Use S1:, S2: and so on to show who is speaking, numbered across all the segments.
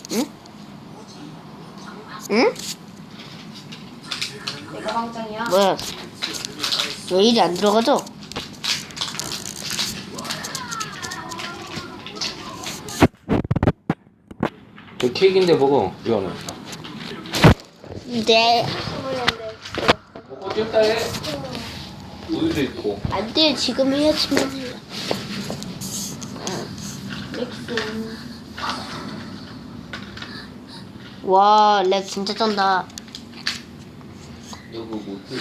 S1: 응? 응?
S2: 내가 방장이야.
S1: 뭐야? 왜 일이 안 들어가죠?
S3: 저 케이크인데 먹어. 이거는.
S1: 네.
S3: 먹고 찔다 해. 우유도 있고.
S1: 안 돼, 지금 해야지만. 와, 렉 진짜 쩐다.
S3: 너 그거 못해.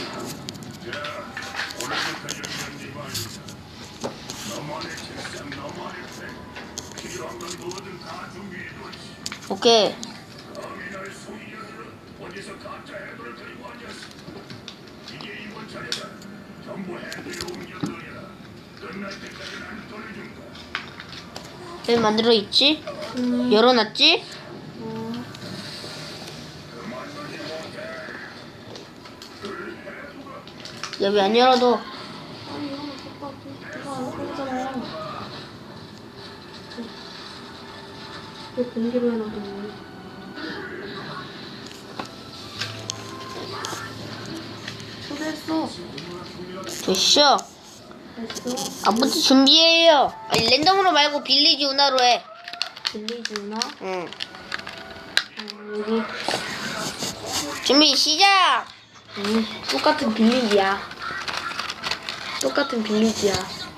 S1: 오케이. 왜 만들어 있지? 열어놨지? 야, 왜 안 열어도?
S2: 아니 이거는 오빠 이거 안 그러잖아. 왜 공개로 해놔뒀니? 초대했어.
S1: 됐어.
S2: 됐어.
S1: 아버지 준비해요. 아니, 랜덤으로 말고 빌리지 운하로 해.
S2: 빌리지 누나?
S1: 응.
S2: 여기.
S1: 준비 시작.
S2: 똑같은 빌리지야. 똑같은 빌리지야.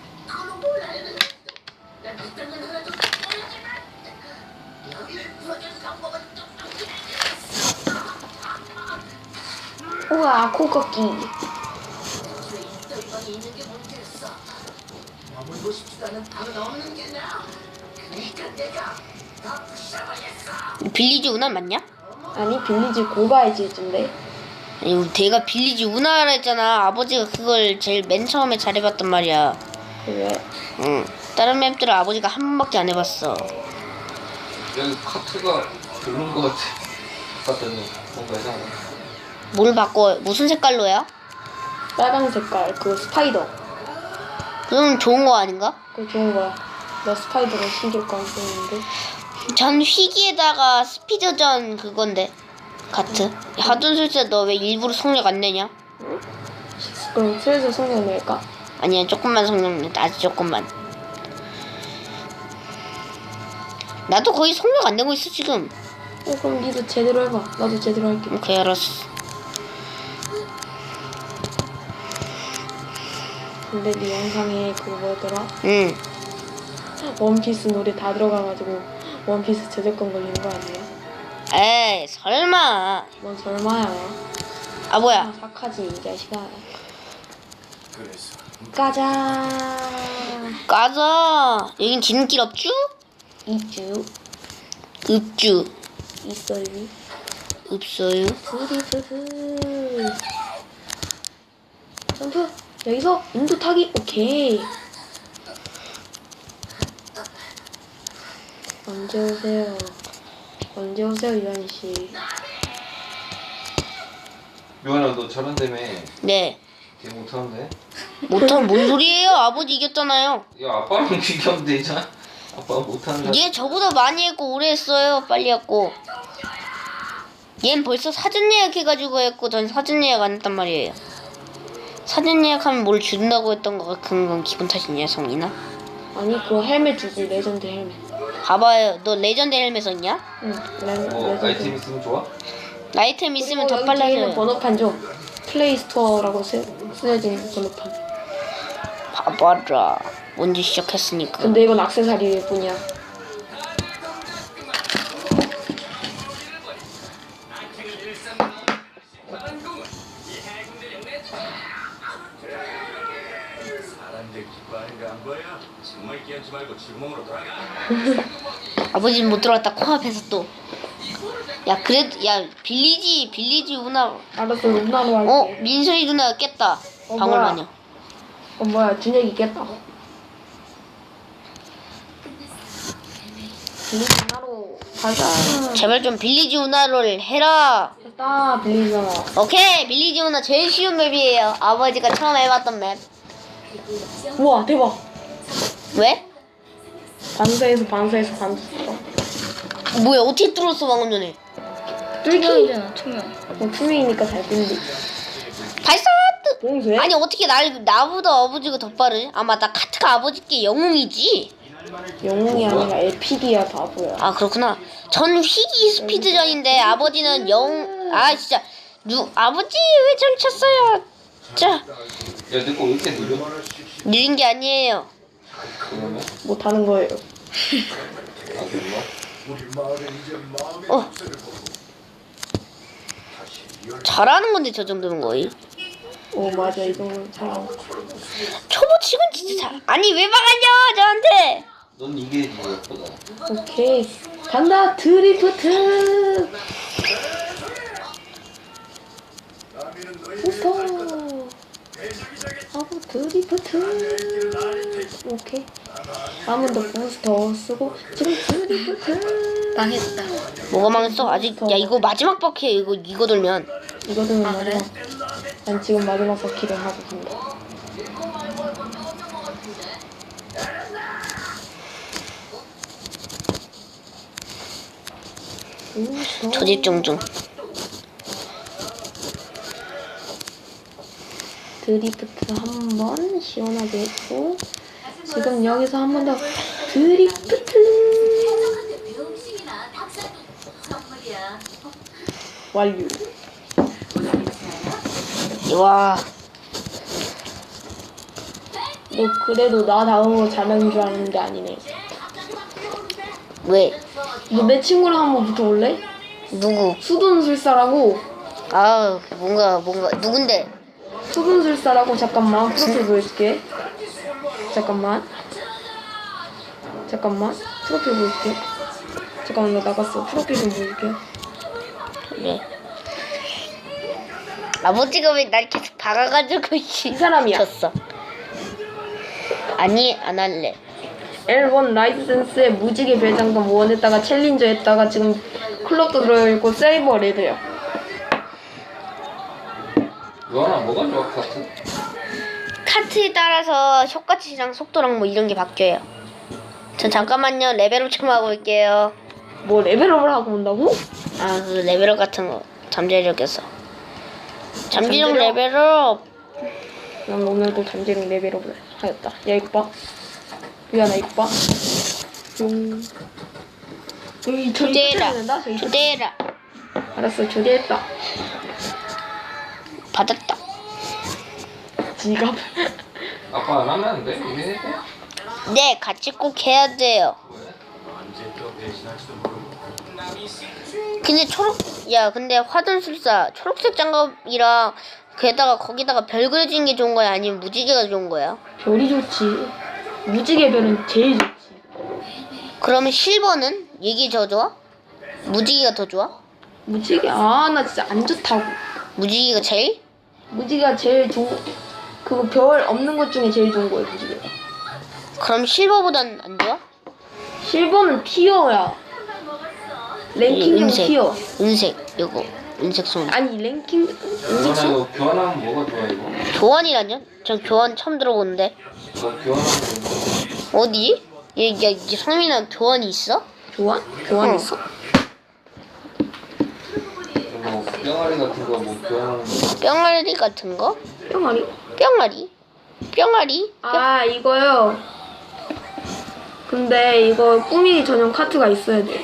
S2: 우와, 코 꺾기.
S1: 빌리지 운하 맞냐?
S2: 아니, 빌리지 고가야지, 이쯤데.
S1: 아니, 걔가 빌리지 운하라 했잖아. 아버지가 그걸 제일 맨 처음에 잘해봤단 말이야.
S2: 그래.
S1: 응. 다른 맵들은 아버지가 한 번밖에 안 해봤어.
S3: 여기 카트가 별론 것 같아. 카트는 뭔가 이상해.
S1: 뭘 바꿔? 무슨 색깔로야?
S2: 빨강 색깔, 그 스파이더.
S1: 그럼 좋은 거 아닌가?
S2: 그거 좋은 거야. 나 스파이더를 신길 거 안 쓰는데.
S1: 전 휘기에다가 스피드전 그건데. 가트. 하둔술사 너 왜 일부러 성력 안 내냐?
S2: 그럼 슬슬 성능 낼까?
S1: 아니야, 조금만 성력 내. 아주 조금만. 나도 거의 성력 안 내고 있어 지금.
S2: 그럼 니도 제대로 해봐. 나도 제대로 할게.
S1: 오케이, 알았어.
S2: 근데 네 영상에 그거 뭐였더라?
S1: 응.
S2: 원피스 노래 다 들어가가지고 원피스 저작권 걸리는 거 아니야?
S1: 에이, 설마.
S2: 넌 설마야.
S1: 아, 뭐야.
S2: 착하지 이 자식아. 가자.
S1: 까자. 여긴 지름길 없쥬?
S2: 이주
S1: 읍주.
S2: 있어요.
S1: 없어요.
S2: 드리드드. 점프. 여기서 인도 타기. 오케이. 언제 오세요? 언제 오세요, 유한 씨?
S3: 요한아 너 저런다며.
S1: 네.
S3: 걔 못하는데?
S1: 못하면 뭔 소리예요? 아버지 이겼잖아요.
S3: 야 아빠랑 비교하면 되잖아. 아빠가 못하는 거.
S1: 얘 저보다 많이 했고 오래 했어요. 빨리 했고. 얜 벌써 사전 예약해가지고 했고 전 사전 예약 안 했단 말이에요. 사전 예약하면 뭘 준다고 했던 거 같은 건 기분 탓이냐, 성이나?
S2: 아니 그거 헬멧 주지. 레전드 헬멧.
S1: 봐봐요. 너 레전드 헬멧 썼냐?
S2: 응.
S3: 뭐
S2: 레전드.
S3: 아이템 있으면 좋아?
S1: 아이템 있으면 더
S2: 여기 뒤에 있는
S1: 빨라져요.
S2: 번호판 좀. 플레이스토어라고 쓰여진 번호판.
S1: 봐봐라. 먼저 시작했으니까.
S2: 근데 이건 액세서리일 뿐이야.
S4: 사람들 기뻐하는 거 안 보여? 정말 끼얹지 말고 주먹으로 돌아가.
S1: 아버지는 못 들어갔다 코앞에서 또. 야, 그래도 야 빌리지 누나.
S2: 알았어, 누나로 할게.
S1: 민소희 누나가 깼다. 방울마녀.
S2: 뭐야, 준혁이 깼다. 빌리지 누나로 가자.
S1: 제발 좀 빌리지 누나를 해라.
S2: 됐다, 빌리지 누나.
S1: 오케이, 빌리지 누나 제일 쉬운 맵이에요. 아버지가 처음 해봤던 맵.
S2: 우와, 대박.
S1: 왜?
S2: 반사에서 반사했어.
S1: 뭐야 어떻게 뚫었어 방금 전에?
S2: 뚫기.
S5: 투명이잖아 투명.
S2: 투명이니까 잘 뚫리.
S1: 발사!
S2: 봉쇄?
S1: 아니 어떻게 나보다 아버지가 더 빠르지? 아 맞다 카트가 아버지께 영웅이지.
S2: 영웅이 아니라 에픽이야 바보야.
S1: 아 그렇구나. 전 휘기 스피드전인데 아버지는 아 진짜 아버지 왜 저를 쳤어요? 자
S3: 야, 내 거 왜 이렇게 느려?
S1: 느린 게 아니에요.
S3: 그러면?
S2: 못하는 거예요.
S3: 아, 그런가?
S1: 어 잘하는 건데 저 정도는 거의.
S2: 오 맞아 이 정도는 잘.
S1: 초보 치곤 진짜 잘. 아니 왜 막았냐 저한테?
S3: 넌 이게 뭐였거든.
S2: 오케이 간다 드리프트. 부스터 하고 드리프트. 오케이 한 번 더 부스터 쓰고 지금 드리프트.
S5: 망했다.
S1: 뭐가 망했어? 아직 야 이거 마지막 바퀴야 이거 돌면.
S2: 이거는
S5: 아, 그래?
S2: 마지막. 난 지금 마지막 바퀴를 하고 간다.
S1: 조집중 중.
S2: 드리프트 한 번 시원하게 했고 지금 여기서 한 번 더 드리프트 완료.
S1: 와
S2: 너 그래도 나 다음으로 잘하는 줄 아는데 아니네.
S1: 왜?
S2: 너 내 친구랑 한번 붙어볼래?
S1: 누구?
S2: 수둔술사라고.
S1: 아 뭔가 누군데?
S2: 수둔술사라고. 잠깐만 프로필 보여줄게. 잠깐만 프로필 보여줄게. 잠깐만 나 나갔어. 프로필 좀 보여줄게.
S1: 그래. 아버지가 왜 날 계속 박아가지고
S2: 이 사람이야.
S1: 졌어. 아니 안 할래.
S2: L1 라이센스에 무지개 별장감 원했다가 챌린저 했다가 지금 클럽도 들어있고 세이버 레드야.
S3: 요한아, 뭐가 좋아, 카트?
S1: 카트에 따라서 효과치랑 속도랑 뭐 이런 게 바뀌어요. 전 잠깐만요 레벨업 좀 하고 올게요.
S2: 뭐 레벨업을 하고 온다고?
S1: 아 그 레벨업 같은 거 잠재력에서. 잠재력
S2: 잠재력?
S1: 레벨업.
S2: 난 오늘도 잠재력 레벨업을 하였다. 야 이거 봐. 유한아 이거 봐. 용. 여기 저기
S1: 조대라
S2: 된다. 저기.
S1: 조대라
S2: 알았어 조대했다.
S1: 받았다.
S2: 지갑.
S3: 아빠 안 하면 안 돼? 이게 해?
S1: 네 같이 꼭 해야 돼요. 근데 근데 화둔술사 초록색 장갑이랑 거기다가 별 그려진 게 좋은 거야 아니면 무지개가 좋은 거야?
S2: 별이 좋지. 무지개 별은 제일 좋지.
S1: 그러면 실버는 이게 더 좋아? 무지개가 더 좋아?
S2: 무지개 나 진짜 안 좋다고.
S1: 무지개가 제일?
S2: 무지개가 제일 좋은. 그거 별 없는 것 중에 제일 좋은 거야 무지개가.
S1: 그럼 실버보단 안 좋아?
S2: 실버는 티어야. 랭킹용
S1: 은색
S2: 티어.
S1: 은색 이거 은색 손.
S2: 아니 랭킹
S3: 요한아, 이거 교환하면 뭐가 좋아, 이거?
S1: 교환이라뇨? 전 교환 처음 들어보는데.
S3: 너 교환하면 뭐?
S1: 어디? 얘 성민아 교환이 있어?
S2: 교환? 교환
S1: 어.
S2: 있어?
S3: 뭐, 뿅아리 같은 거 뭐 교환하는 거?
S1: 뿅아리 같은 거?
S2: 뿅아리?
S1: 뿅아리?
S2: 아 이거요. 근데 이거 꾸미기 전용 카트가 있어야 돼.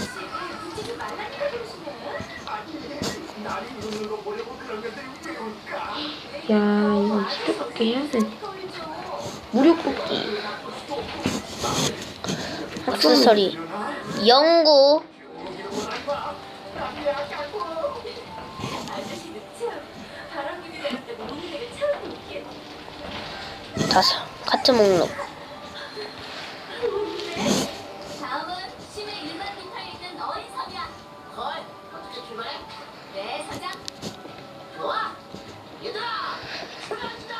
S2: 야 이거 20회밖에 해야 되네. 무료 뽑기.
S1: 액세서리 연구 다섯 카트 목록.
S6: 다음은 시내 일반 기타에 있는 어린 섬이야. 걸, 어떻게 출발해? 네, 사장. 좋아. 얘들아, 출발한다.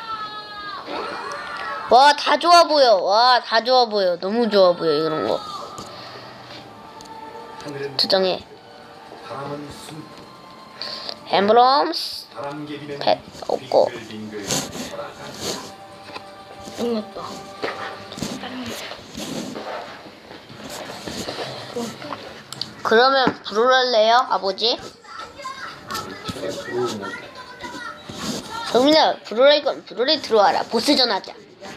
S1: 와 다 좋아 보여. 너무 좋아 보여 이런 거. 저장해.
S4: 바람은 숨,
S1: 엠브럼스
S4: 바람개비는
S1: 펫 없고.
S4: 빙글빙글 돌아간다.
S5: 끝났다.
S1: 그러면 불을할래요, 아버지?
S3: 제가 모르겠네.
S1: 정민아, 불을할 건 불을에 들어와라. 보스전 하자.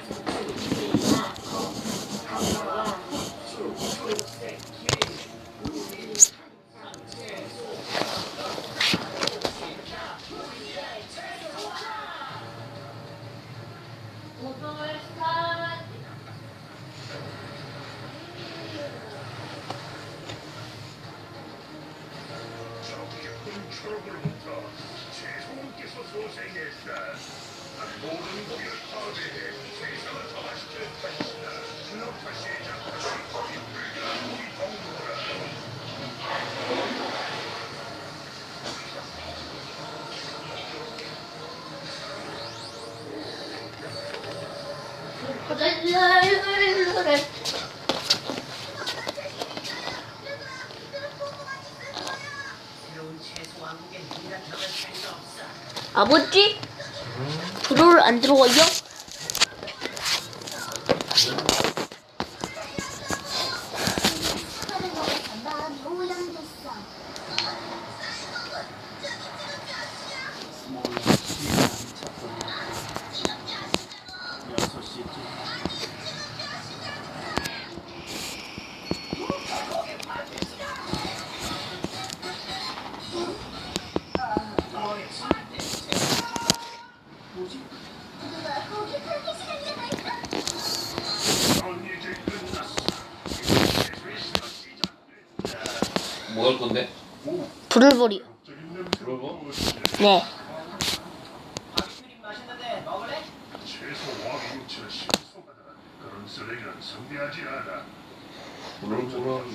S1: 아버지? 불을 안 들어와요?
S3: 뭐 할 건데?
S1: 불을 버려.
S3: 물어봐.
S1: 네.
S3: 물어보라.